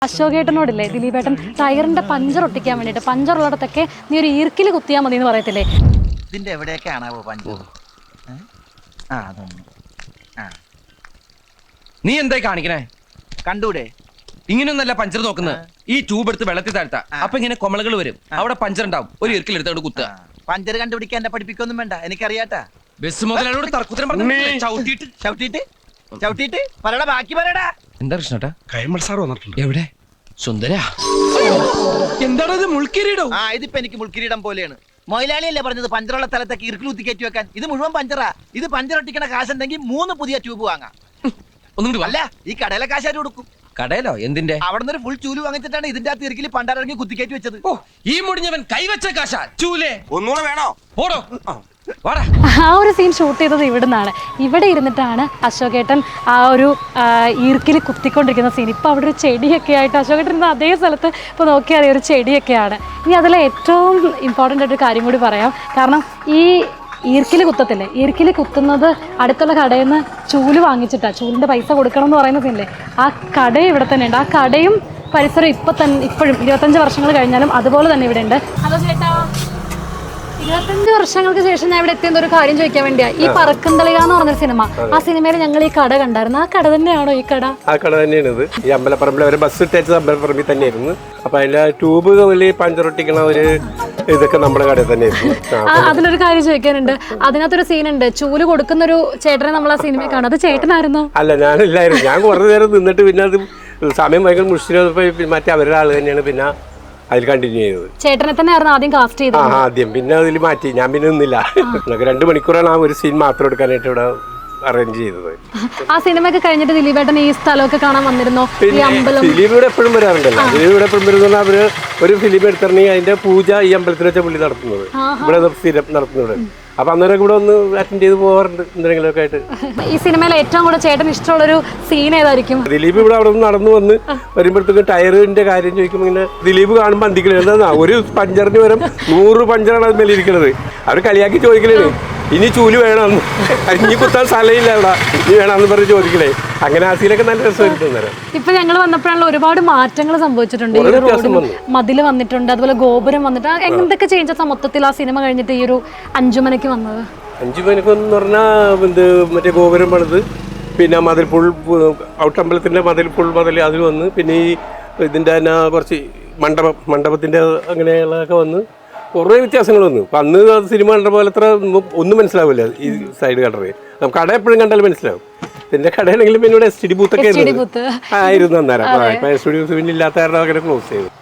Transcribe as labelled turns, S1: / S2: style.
S1: അശോകേട്ടനോടില്ലേ ദിലീപേട്ടൻ ടയറിന്റെ puncture ഒട്ടിക്കാൻ വേണ്ടിയിട്ട് പഞ്ചറുള്ളിടത്തൊക്കെ നീ ഒരു ഈർക്കിൽ കുത്തിയാൽ മതി എന്ന് പറയത്തില്ലേ?
S2: ഇതിന്റെ എവിടെയൊക്കെയാണാവോ പഞ്ചർ?
S3: നീ എന്തായി കാണിക്കണേ?
S2: കണ്ടൂടെ?
S3: ഇങ്ങനെയൊന്നല്ല പഞ്ചർ നോക്കുന്നത്. ഈ ട്യൂബ് എടുത്ത് വെള്ളത്തിൽ താഴ്ത്താ, അപ്പൊ ഇങ്ങനെ കൊമളകൾ വരും, അവിടെ പഞ്ചർ ഉണ്ടാവും. ഒരു ഈർക്കിൽ എടുത്തോട് കുത്തുക.
S2: പഞ്ചർ കണ്ടുപിടിക്കാൻ എന്നെ പഠിപ്പിക്കൊന്നും വേണ്ട, എനിക്കറിയാട്ടാ.
S3: ബസ് മുതലോട് തർക്കുത്തരം പറഞ്ഞു
S2: ചവിട്ടിട്ട് പറയടാ, ബാക്കി പറയടാ.
S3: എന്താ കൃഷ്ണട്ടാ?
S4: കൈമൾ സാർ വന്നിട്ടുണ്ട്.
S3: എവിടെ? സുന്ദര എന്താണ് ഇത്? മുൾക്കിരീടോ?
S2: ഇതിപ്പോ എനിക്ക് മുൾക്കിരീടം പോലെയാണ്. മൊയിലാളിയല്ലേ പറഞ്ഞത് പഞ്ചറുള്ള സ്ഥലത്തേക്ക് ഇറുക്കിൽ കുത്തി കയറ്റി വെക്കാൻ? ഇത് മുഴുവൻ പഞ്ചറാ. ഇത് പഞ്ചർ ഒട്ടിക്കണ കാശുണ്ടെങ്കിൽ 3 പുതിയ ട്യൂബ് വാങ്ങാം.
S3: ഒന്നും
S2: അല്ല, ഈ കടയിലെ കാശാര് കൊടുക്കും.
S3: കടയിലോ? എന്തിന്റെ?
S2: അവിടെ നിന്ന് ഒരു ഫുൾ ചൂല് വാങ്ങിച്ചിട്ടാണ് ഇതിന്റെ അകത്ത് ഇറുക്കിൽ പണ്ടാരിറങ്ങി കുത്തിക്കയറ്റി വെച്ചത്.
S3: ഓ, ഈ മുടിഞ്ഞവൻ കൈവച്ച കാശ ചൂലേ.
S4: ഒന്നുകൂടെ വേണോ?
S3: ഓടോ വാടാ.
S1: ആ ഒരു സീൻ ഷൂട്ട് ചെയ്തത് ഇവിടുന്നാണ്. ഇവിടെ ഇരുന്നിട്ടാണ് അശോകേട്ടൻ ആ ഒരു ഈർക്കിൽ കുത്തിക്കൊണ്ടിരിക്കുന്ന സീൻ. ഇപ്പോൾ അവിടെ ഒരു ചെടിയൊക്കെ ആയിട്ട് അശോകേട്ടൻ ഇരുന്ന അതേ സ്ഥലത്ത് ഇപ്പോൾ നോക്കിയാൽ ഒരു ചെടിയൊക്കെയാണ്. ഇനി അതിലെ ഏറ്റവും ഇമ്പോർട്ടൻ്റ് ആയിട്ടൊരു കാര്യം കൂടി പറയാം. കാരണം ഈ ഈർക്കിൽ കുത്തത്തില്ലേ, ഈർക്കിൽ കുത്തുന്നത് അടുത്തുള്ള കടയിൽ നിന്ന് ചൂല് വാങ്ങിച്ചിട്ടാണ്. ചൂലിൻ്റെ പൈസ കൊടുക്കണം എന്ന് പറയുന്ന സീനില്ലേ, ആ കട ഇവിടെ തന്നെ ഉണ്ട്. ആ കടയും പരിസരം ഇപ്പോഴും 25 വർഷങ്ങൾ കഴിഞ്ഞാലും അതുപോലെ തന്നെ ഇവിടെ ഉണ്ട്. ഹലോ ചേട്ടാ, 25 വർഷങ്ങൾക്ക് ശേഷം ഞാൻ ഇവിടെ എത്തിയെന്ന ഒരു കാര്യം ചോദിക്കാൻ വേണ്ടിയാ. ഈ പറക്കുംതളിക എന്ന് പറഞ്ഞൊരു സിനിമ, ആ സിനിമയിൽ ഞങ്ങൾ ഈ കട കണ്ടായിരുന്നു. ആ കട തന്നെയാണോ ഈ കട? ആ കട തന്നെയാണ് ഇത്. ഈ അമ്പലപ്പറമ്പിൽ ഒരു ബസ് ഇട്ടേച്ചത് അമ്പലപ്പറമ്പിൽ തന്നെയായിരുന്നു. അപ്പൊ അതിലെ ട്യൂബ് പഞ്ചർ ഒട്ടിക്കണ ഒരു ഇതൊക്കെ നമ്മുടെ കടയിൽ തന്നെയായിരുന്നു. അതിലൊരു കാര്യം ചോദിക്കാനുണ്ട്. അതിനകത്തൊരു സീനുണ്ട്, ചൂല് കൊടുക്കുന്ന ഒരു ചേട്ടനെ നമ്മൾ ആ സിനിമയിൽ കാണും. അത് ചേട്ടനായിരുന്നോ? അല്ല,
S4: ഞാനില്ലായിരുന്നു. ഞാൻ കുറേ നേരം നിന്നിട്ട് പിന്നെ അത് സമയം ഭയങ്കര മുഷിച്ചപ്പോ മറ്റേ അവരുടെ ആള് തന്നെയാണ് പിന്നെ അതിൽ കണ്ടിന്യൂ ചെയ്തത്.
S1: ചേട്ടനെ തന്നെ ആയിരുന്നു ആദ്യം കാസ്റ്റ് ചെയ്തത്?
S4: ആദ്യം, പിന്നെ അതിൽ മാറ്റി. ഞാൻ പിന്നെ നിന്നില്ല. 2 മണിക്കൂറാണ് ആ ഒരു സീൻ മാത്രം എടുക്കാനായിട്ട് ഇവിടെ അറേഞ്ച് ചെയ്തത്.
S1: ആ സിനിമയൊക്കെ കഴിഞ്ഞിട്ട് ദിലീപേട്ടൻ ഈ സ്ഥലമൊക്കെ കാണാൻ വന്നിരുന്നോ?
S4: ദിലീപിവിടെ എപ്പോഴും വരാറുണ്ടല്ലോ. ദിലീപിവിടെ എപ്പോഴും വരുന്ന അവര് ഒരു ഫിലിം എടുത്തിറങ്ങി അതിന്റെ പൂജ ഈ അമ്പലത്തിൽ വെച്ച പുള്ളി നടത്തുന്നത്, ഇവിടെ സ്ഥിരം നടത്തുന്നത്. അപ്പൊ അന്നേരം കൂടെ ഒന്ന് അറ്റൻഡ് ചെയ്ത് പോകാറുണ്ട് എന്തെങ്കിലുമൊക്കെ ആയിട്ട്.
S1: ഈ സിനിമയിൽ ഏറ്റവും കൂടുതൽ ചേട്ടൻ ഇഷ്ടമുള്ള ഒരു സീൻ ഏതായിരിക്കും?
S4: ദിലീപ് ഇവിടെ അവിടെ നിന്ന് നടന്നു വന്ന് വരുമ്പോഴത്തേക്കും ടയറിന്റെ കാര്യം ചോദിക്കുമ്പോൾ ഇങ്ങനെ ദിലീപ് കാണുമ്പോൾ അന്തിക്കണ ഒരു പഞ്ചറിന് വരും 100 പഞ്ചറാണ് അത് മേലിരിക്കുന്നത്. അവർ കളിയാക്കി ചോദിക്കലേ, ഇനി ചൂല് വേണം, ഇനി കുത്താൻ സ്ഥലമില്ല ഇവിടെ, ഇനി വേണമെന്ന് പറഞ്ഞ് ചോദിക്കലേ. അങ്ങനെ ആ സീനൊക്കെ നല്ല രസമായിട്ട്.
S1: ഇപ്പൊ ഞങ്ങൾ വന്നപ്പോഴാണല്ലോ ഒരുപാട് മാറ്റങ്ങൾ സംഭവിച്ചിട്ടുണ്ട്. ഈ റോഡിൽ മതില് വന്നിട്ടുണ്ട്, അതുപോലെ ഗോപുരം വന്നിട്ട്. എന്തൊക്കെ ചേഞ്ചസ് മൊത്തത്തിൽ ആ സിനിമ കഴിഞ്ഞിട്ട് ഈ ഒരു 5 മണിക്ക് വന്നത്?
S4: 5 മണിക്കെന്ന് പറഞ്ഞാൽ മറ്റേ ഗോപുരം പണിത്, പിന്നെ മതിൽ ഔട്ടമ്പലത്തിന്റെ മതിൽ അതിൽ വന്ന്, പിന്നെ ഈ ഇതിന്റെ തന്നെ കുറച്ച് മണ്ഡപത്തിന്റെ അങ്ങനെയുള്ളതൊക്കെ വന്ന് കുറേ വ്യത്യാസങ്ങൾ വന്നു. അപ്പം അന്ന് സിനിമ കണ്ട പോലെ അത്ര ഒന്നും മനസ്സിലാവില്ല. ഈ സൈഡ് കടറ് നമുക്ക് കട എപ്പോഴും കണ്ടാലും മനസ്സിലാവും. പിന്നെ കടയാണെങ്കിലും പിന്നെ ഇവിടെ STD ബൂത്തൊക്കെ ആയിരുന്നു അന്നേരം. ഇപ്പം STD ബൂത്ത് പിന്നെ ഇല്ലാത്ത കാരണം അങ്ങനെ ക്ലോസ് ചെയ്തു.